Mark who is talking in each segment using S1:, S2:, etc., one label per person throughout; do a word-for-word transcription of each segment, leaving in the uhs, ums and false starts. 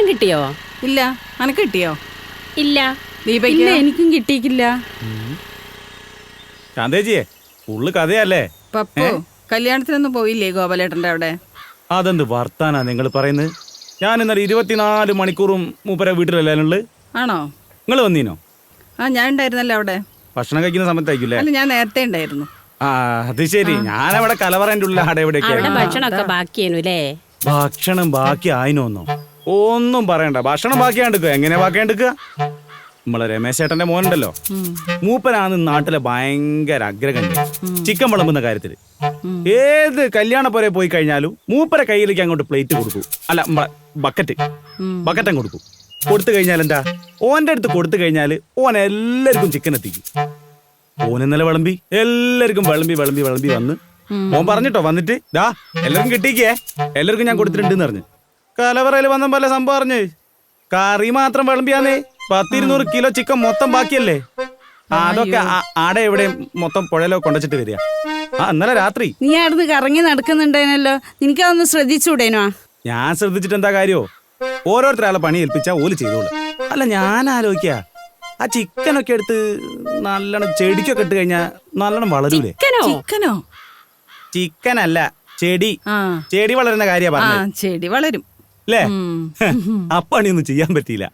S1: ഭക്ഷണം കിട്ടിയോ?
S2: ഇല്ല. അനക്ക് കിട്ടിയോ?
S1: ഇല്ല.
S2: ദീപയ്ക്ക് എനിക്കും കിട്ടിയിട്ടില്ല.
S3: ശാന്തേജിയെ ഉള്ളു കഥയല്ലേ.
S2: പപ്പു കല്യാണത്തിനൊന്നും പോയില്ലേ ഗോപാലേട്ടന്റെ അവിടെ?
S3: അതെന്ത് വർത്താനാ നിങ്ങൾ പറയുന്നത്? ഞാൻ ഇന്നലെ ഇരുപത്തിനാല് മണിക്കൂറും മൂപ്പര വീട്ടിലല്ലേ.
S2: ആണോ?
S3: നിങ്ങൾ വന്നീനോ?
S2: ആ ഞാൻ ഉണ്ടായിരുന്നല്ലോ അവിടെ.
S3: ഭക്ഷണം കഴിക്കുന്ന സമയത്തായിരിക്കും.
S2: അല്ല ഞാൻ നേരത്തെ ഉണ്ടായിരുന്നു.
S3: ആ അത് ശരി. ഞാനവിടെ കലവറേന്റെ ഉള്ളിൽ അവിടെ എവിടെയൊക്കെ
S1: ഭക്ഷണമൊക്കെ ബാക്കിയേനുല്ലേ?
S3: ഭക്ഷണം ബാക്കി ആയിനോന്നോ? ഒന്നും പറയണ്ട. ഭക്ഷണം ബാക്കിയാണ്ടിക്കുക. എങ്ങനെ ബാക്കിയാണ്ടിക്കുക? നമ്മളെ രമേശ് ചേട്ടന്റെ മോനുണ്ടല്ലോ, മൂപ്പനാണ് നാട്ടിലെ ഭയങ്കര അഗ്രഗണ്യ ചിക്കൻ വിളമ്പുന്ന കാര്യത്തില്. ഏത് കല്യാണ പോലെ പോയി കഴിഞ്ഞാലും മൂപ്പര കയ്യിലേക്ക് അങ്ങോട്ട് പ്ലേറ്റ് കൊടുക്കൂ. അല്ല ബക്കറ്റ് ബക്കറ്റം കൊടുക്കൂ. കൊടുത്തു കഴിഞ്ഞാൽ എന്താ, ഓന്റെ അടുത്ത് കൊടുത്തു കഴിഞ്ഞാല് ഓൻ എല്ലാവർക്കും ചിക്കൻ എത്തിക്കും. ഓൻ ഇന്നലെ വിളമ്പി എല്ലാവർക്കും വിളമ്പി വിളമ്പി വിളമ്പി വന്ന് ഓൻ പറഞ്ഞിട്ടോ വന്നിട്ട് ദാ എല്ലാവർക്കും കിട്ടിക്കേ, എല്ലാവർക്കും ഞാൻ കൊടുത്തിട്ടുണ്ടെന്ന് പറഞ്ഞു. കലവറയിൽ വന്ന പോലെ സംഭവം അറിഞ്ഞ് കറി മാത്രം വിളമ്പിയാന്നേ പത്തിരുന്നൂറ് കിലോ ചിക്കൻ മൊത്തം ബാക്കിയല്ലേ. അതൊക്കെ ആടെ എവിടെ മൊത്തം പുഴയിലോ കൊണ്ടുവച്ചിട്ട് വരിക. ആ ഇന്നലെ രാത്രി
S2: നീ അവിടുന്ന് കറങ്ങി നടക്കുന്നുണ്ടേനല്ലോ, നിനക്കതൊന്ന് ശ്രദ്ധിച്ചൂടേനോ?
S3: ഞാൻ ശ്രദ്ധിച്ചിട്ട് എന്താ കാര്യോ? ഓരോരുത്തരാളെ പണി ഏൽപ്പിച്ചാ ഓല് ചെയ്തോളൂ. അല്ല ഞാൻ ആലോചിക്ക, ആ ചിക്കനൊക്കെ എടുത്ത് നല്ലോണം ചെടിക്കൊക്കെ ഇട്ട് കഴിഞ്ഞാ നല്ലോണം വളരൂലേ?
S2: ചിക്കനോ?
S3: ചിക്കനല്ല, ചെടി. ചെടി വളരുന്ന കാര്യ പറഞ്ഞ.
S2: ചെടി വളരും
S3: അല്ലേ? ആ പണിയൊന്നും ചെയ്യാൻ പറ്റിയില്ല.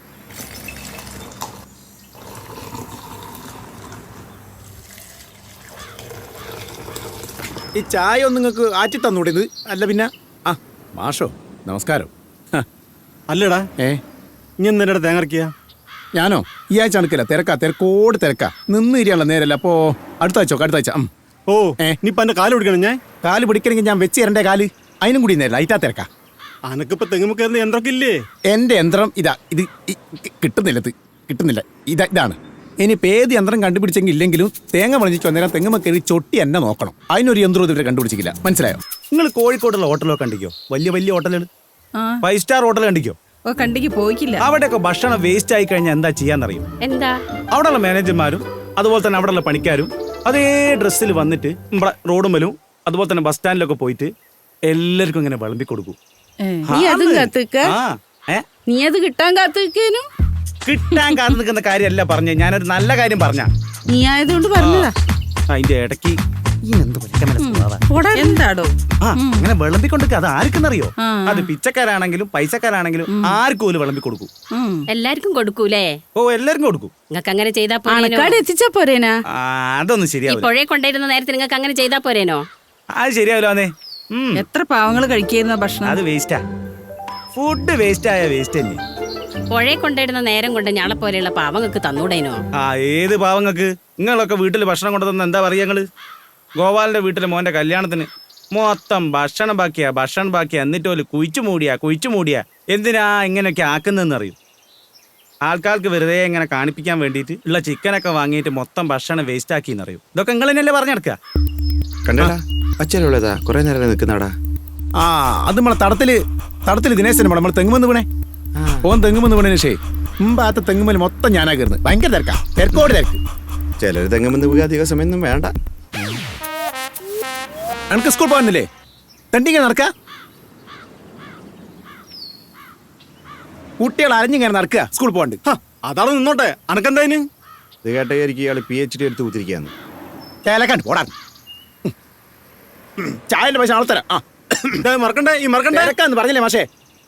S4: ഈ ചായ ഒന്ന് നിങ്ങൾക്ക് ആറ്റി തന്നൂടേത്? അല്ല പിന്നെ ആ മാഷോ നമസ്കാരം.
S5: അല്ലടാ
S4: ഏ
S5: ഇനി നേരെ തേങ്ങറക്കിയ
S4: ഞാനോ ഈ ആഴ്ച അണക്കില്ല, തിരക്കാ തിരക്കോട് തിരക്കാ. നിന്ന് ഇരിയാണല്ലോ നേരല്ല. അപ്പോ അടുത്ത ആഴ്ച അടുത്ത ആഴ്ച.
S5: ഓ ഏ നീ എന്റെ കാല് പിടിക്കണം. ഞാൻ
S4: കാല് പിടിക്കണമെങ്കിൽ ഞാൻ വെച്ച് തരണ്ടേ കാല്? അതിനും കൂടി നേരില്ല, അയിറ്റാ തിരക്കാ.
S5: അനക്കിപ്പോ തെങ്ങുമ്പോ കയറുന്ന യന്ത്രമൊക്കെ ഇല്ലേ?
S4: എന്റെ യന്ത്രം ഇതാ. ഇത് കിട്ടുന്നില്ല, ഇത് കിട്ടുന്നില്ല. ഇതാ ഇതാണ്. ഇനിയിപ്പോൾ ഏത് യന്ത്രം കണ്ടുപിടിച്ചെങ്കിൽ ഇല്ലെങ്കിലും തേങ്ങ വളഞ്ഞിച്ച് വന്നേരം തെങ്ങുമ്മ കയറി ചൊട്ടി എന്നെ നോക്കണം. അതിനൊരു യന്ത്രം ഇതുവരെ കണ്ടുപിടിച്ചില്ല. മനസ്സിലായോ?
S3: നിങ്ങൾ കോഴിക്കോടുള്ള ഹോട്ടലൊക്കെ കണ്ടിക്കോ? വലിയ വലിയ ഹോട്ടലുകൾ, ഫൈവ് സ്റ്റാർ ഹോട്ടൽ കണ്ടിക്കോ?
S2: കണ്ടിക്ക് പോയിക്കില്ല.
S3: അവിടെയൊക്കെ ഭക്ഷണം വേസ്റ്റ് ആയി കഴിഞ്ഞാൽ എന്താ ചെയ്യാന്നറിയും?
S1: എന്താ?
S3: അവിടെയുള്ള മാനേജർമാരും അതുപോലെ തന്നെ അവിടെയുള്ള പണിക്കാരും അതേ ഡ്രസ്സിൽ വന്നിട്ട് നമ്മുടെ റോഡുമ്മലും അതുപോലെ തന്നെ ബസ് സ്റ്റാൻഡിലൊക്കെ പോയിട്ട് എല്ലാവർക്കും ഇങ്ങനെ വിളമ്പി കൊടുക്കും.
S2: നീ അതും കാത്തുക്ക? നീ അത് കിട്ടാൻ കാത്തുക്കേനും?
S3: കിട്ടാൻ കാത്തു നിൽക്കുന്ന കാര്യമല്ല പറഞ്ഞ, ഞാനൊരു നല്ല കാര്യം പറഞ്ഞ.
S2: നീ ആയതുകൊണ്ട് പറഞ്ഞതാ.
S3: അതിന്റെ ഇടയ്ക്ക്
S2: എന്താടോ
S3: അങ്ങനെ വിളമ്പിക്കൊടുക്ക? അത് ആർക്കെന്നറിയോ? അത് പിച്ചക്കാരാണെങ്കിലും പൈസക്കാരാണെങ്കിലും ആർക്കും ഒരു വിളമ്പി കൊടുക്കും.
S1: എല്ലാവർക്കും കൊടുക്കൂലേ?
S3: ഓ എല്ലാവർക്കും കൊടുക്കും.
S1: നിങ്ങൾക്ക് അങ്ങനെ ചെയ്താ
S2: എത്തിച്ചാ പോരേനാ?
S3: അതൊന്നും ശരിയാവില്ല.
S1: പുഴയെ കൊണ്ടുവരുന്ന നേരത്തെ നിങ്ങൾക്ക് അങ്ങനെ ചെയ്താ പോരേനോ?
S3: അത് ശരിയാവില്ലേ?
S2: എത്ര പാവങ്ങൾ കഴിക്കുന്ന ഭക്ഷണം
S3: അത് വേസ്റ്റാ. ഫുഡ് വേസ്റ്റ് ആയ വേസ്റ്റ് തന്നെ.
S1: പുഴയെ കൊണ്ടിടുന്ന നേരം കൊണ്ട് ഞാളെ പോലെയുള്ള പാവങ്ങൾക്ക് തന്നൂടേനോ?
S3: ആ ഏത് പാവങ്ങൾക്ക്? നിങ്ങളൊക്കെ വീട്ടിൽ ഭക്ഷണം കൊണ്ടുതന്ന എന്താ പറയാ? ഞങ്ങള് ഗോപാലിന്റെ വീട്ടിലെ മോന്റെ കല്യാണത്തിന് മൊത്തം ഭക്ഷണം ബാക്കിയാ ഭക്ഷണം ബാക്കിയാ എന്നിട്ട് പോലും കുഴിച്ചു മൂടിയാ കുഴിച്ചു മൂടിയാ എന്തിനാ ഇങ്ങനെയൊക്കെ ആക്കുന്നതെന്ന് അറിയും. ആൾക്കാർക്ക് വെറുതെ ഇങ്ങനെ കാണിപ്പിക്കാൻ വേണ്ടിയിട്ട് ഉള്ള ചിക്കനൊക്കെ വാങ്ങിയിട്ട് മൊത്തം ഭക്ഷണം വേസ്റ്റ് ആക്കി എന്നറിയും. ഇതൊക്കെ നിങ്ങൾ തന്നെയല്ലേ പറഞ്ഞെടുക്കുക?
S6: കണ്ടടാ അച്ഛനുള്ളതാ കുറെ നേരം നിൽക്കുന്നടാ.
S4: ആ അത് നമ്മളെ തടത്തില് തടത്തില് ദിനേശന് നമ്മളെ തെങ്ങുമെന്ന് വീണേ. ഓൻ തെങ്ങുമെന്ന് വീണേ ശേ മുമ്പാത്ത തെങ്ങുമ്മൽ മൊത്തം ഞാനാ കയറുന്നത്. ഭയങ്കര തിരക്കാ, തിരക്കോട് തിരക്ക്.
S6: ചിലർ തെങ്ങുമെന്ന് വീഴാൻ അധിക സമയമൊന്നും വേണ്ട.
S4: എനിക്ക് സ്കൂൾ പോകാനില്ലേ? തണ്ടിങ്ങ നടക്ക കുട്ടികൾ അരഞ്ഞിങ്ങനെ നടക്കുക സ്കൂളിൽ പോകണ്ട്.
S5: അതാണ് നിന്നോട്ടെ. അനക്കെന്തായിന്?
S6: ഇത് കേട്ടയായിരിക്കും ഇയാൾ പി എച്ച് ഡി എടുത്ത് കുത്തിരിക്കാന്ന്.
S4: ചേലക്കാണ്ട് പോടാ. ചായന്റെ പൈസ ആളെ തരാം. ആ
S5: മറക്കണ്ടേ ഈ മറക്കണ്ടേ
S4: തിരക്കാന്ന് പറഞ്ഞില്ലേ മാഷേ?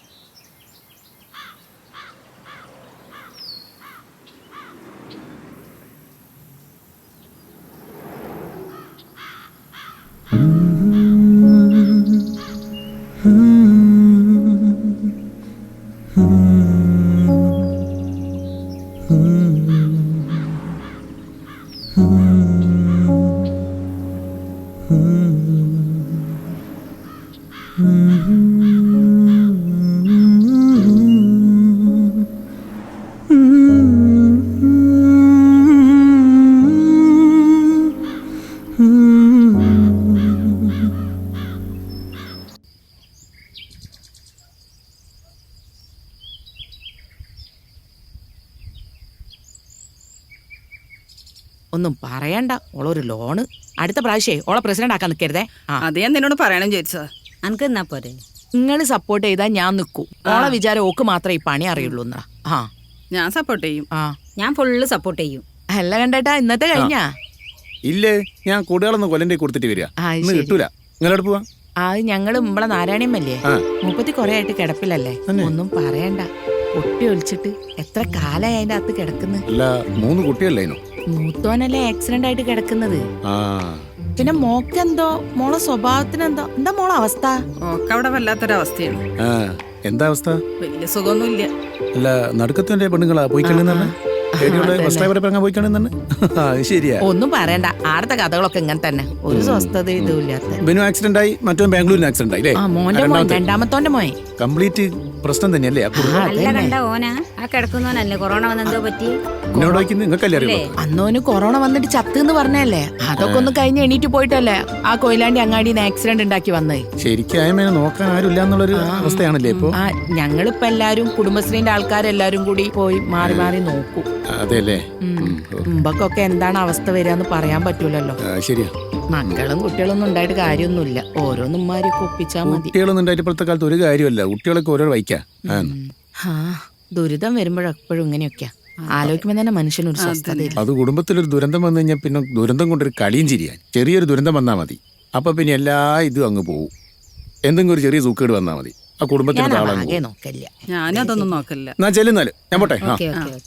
S7: ഒന്നും പറയണ്ട. ഓളൊരു ലോണ് അടുത്ത പ്രാവശ്യേ ഓളെ പ്രസിഡന്റ് ആക്കാൻ നിൽക്കരുതേ.
S2: അത് ഞാൻ നിന്നോട് പറയണം ചോദിച്ചതാ.
S8: അനക്ക് എന്നാ പോരെ?
S7: നിങ്ങൾ സപ്പോർട്ട് ചെയ്താൽ ഞാൻ നിൽക്കൂ. ഓളെ വിചാരം ഓക്ക് മാത്രമേ ഈ പണി അറിയുള്ളൂ എന്നാ. ആ
S2: ഞാൻ സപ്പോർട്ട് ചെയ്യും.
S7: ആ
S8: ഞാൻ ഫുള്ള് സപ്പോർട്ട് ചെയ്യും.
S7: അല്ല കണ്ടേട്ടാ, ഇന്നത്തെ കഴിഞ്ഞാ?
S4: ഇല്ലേ, ഞാൻ കൂടുതലൊന്ന് കൊല്ലന്റെ കൊടുത്തിട്ട് വരിക.
S7: ആ,
S4: ഇന്ന്
S7: ശരി.
S4: കിട്ടൂല. നിങ്ങളോട് പോവാ?
S7: അത് ഞങ്ങള് നമ്മളെ നാരായണിയമ്മല്ലേ,
S4: ആ.
S7: മുപ്പത്തി കൊറേ ആയിട്ട് കിടപ്പില്ലല്ലേ.
S4: തന്നെ?
S7: ഒന്നും പറയണ്ട, പൊട്ടി ഒളിച്ചിട്ട് എത്ര കാലായി അതിന്റെ അകത്ത് കിടക്കുന്നു.
S4: അല്ല, മൂന്ന് കുട്ടിയല്ലേനു?
S7: മൂത്തോനല്ലേ ആക്സിഡന്റ് ആയിട്ട് കിടക്കുന്നത്.
S4: ആ
S7: പിന്നെ മോക്കെന്തോ, മോളെ സ്വഭാവത്തിനെന്തോ, എന്താ മോളെ അവസ്ഥ?
S2: ഒക്കെ അവിടെ വല്ലാത്തൊരവസ്ഥയാണ്.
S4: ആ എന്താ അവസ്ഥ?
S2: വലിയ സുഖമൊന്നുമില്ല.
S4: അല്ല, നടുക്കത്തിന്റെ പെണ്ണുങ്ങളാ പോയി കളിന്നെ? വസ്ത്രപരപ്പറങ്ങാൻ പോയി കളിന്നെ? അത് ശരിയാ.
S7: ഒന്നും പറയണ്ട, ആടത്തെ കഥകളൊക്കെ ഇങ്ങനെ തന്നെ, ഒരു സ്വസ്ഥത ഇതും ഇല്ലാത്ത.
S4: ബിനു ആക്സിഡന്റ് ആയി, മറ്റോ ബാംഗ്ലൂരിന് ആക്സിഡന്റ് ആയി
S7: ആ മോന്റെ മോൻ, രണ്ടാമത്തോന്റെ മോൻ.
S4: കംപ്ലീറ്റ് പ്രശ്നം തന്നെയല്ലേ ആ കുടുംബം?
S8: അല്ല കണ്ട ഓനാ ആ കിടക്കുന്നവനല്ലേ കൊറോണ വന്നെന്തോ പറ്റി.
S4: എന്നോട് വയ്ക്കുന്നത് നിങ്ങൾക്കല്ലേ അറിയുള്ളൂ.
S7: അന്നോന് കൊറോണ വന്നിട്ട് ചത്തെന്ന് പറഞ്ഞല്ലേ, അതൊക്കെ ഒന്ന് കഴിഞ്ഞ് എണീറ്റ് പോയിട്ടല്ലേ ആ കൊയിലാണ്ടി അങ്ങാടിന്ന് ആക്സിഡന്റ് ഉണ്ടാക്കി വന്നത്.
S4: ശരിക്കും ആയമേനെ നോക്കാൻ ആരുമില്ല എന്നുള്ളൊരു അവസ്ഥയാണല്ലേ ഇപ്പൊ?
S7: ആ ഞങ്ങളിപ്പോ എല്ലാരും കുടുംബശ്രീന്റെ ആൾക്കാരെല്ലാരും കൂടി പോയി മാറി മാറി നോക്കും.
S4: അതെ അല്ലേ?
S7: മുമ്പൊക്കെ എന്താണ് അവസ്ഥ വരികയെന്ന് പറയാൻ പറ്റൂലല്ലോ.
S4: ശരിയാ.
S7: മക്കളും കുട്ടികളൊന്നും ഉണ്ടായിട്ട് കാര്യമൊന്നുമില്ല, ഓരോന്നുമാരൊക്കെ ഒപ്പിച്ചാ മതി.
S4: കുട്ടികളൊന്നും ഉണ്ടായിട്ട് ഇപ്പോഴത്തെ കാലത്ത് ഒരു കാര്യമല്ല, കുട്ടികളൊക്കെ ഓരോ വയ്ക്കാ.
S7: ആ ദുരിതം വരുമ്പോഴെപ്പോഴും ഇങ്ങനെയൊക്കെയാ ആലോചിക്കുമ്പോ തന്നെ മനുഷ്യനൊരു സ്വസ്ഥതയില്ല.
S4: അത് കുടുംബത്തിലൊരു ദുരന്തം വന്നു കഴിഞ്ഞാൽ പിന്നെ ദുരന്തം കൊണ്ടൊരു കളിയും ചിരിയാൻ. ചെറിയൊരു ദുരന്തം വന്നാൽ മതി, അപ്പൊ പിന്നെ എല്ലാ ഇതും അങ്ങ് പോവും. എന്തെങ്കിലും ഒരു ചെറിയ സൂക്കേട് വന്നാൽ മതി, ആ കുടുംബത്തിന്
S7: ഞാൻ
S4: താളം
S7: ആകെ നോക്കില്ല.
S2: ഞാനും അതൊന്നും നോക്കില്ല.
S4: എന്നാ ചെല്ലുന്നാല് ഞാൻ പോട്ടെ. ആ
S8: ഓക്കെ ഓക്കെ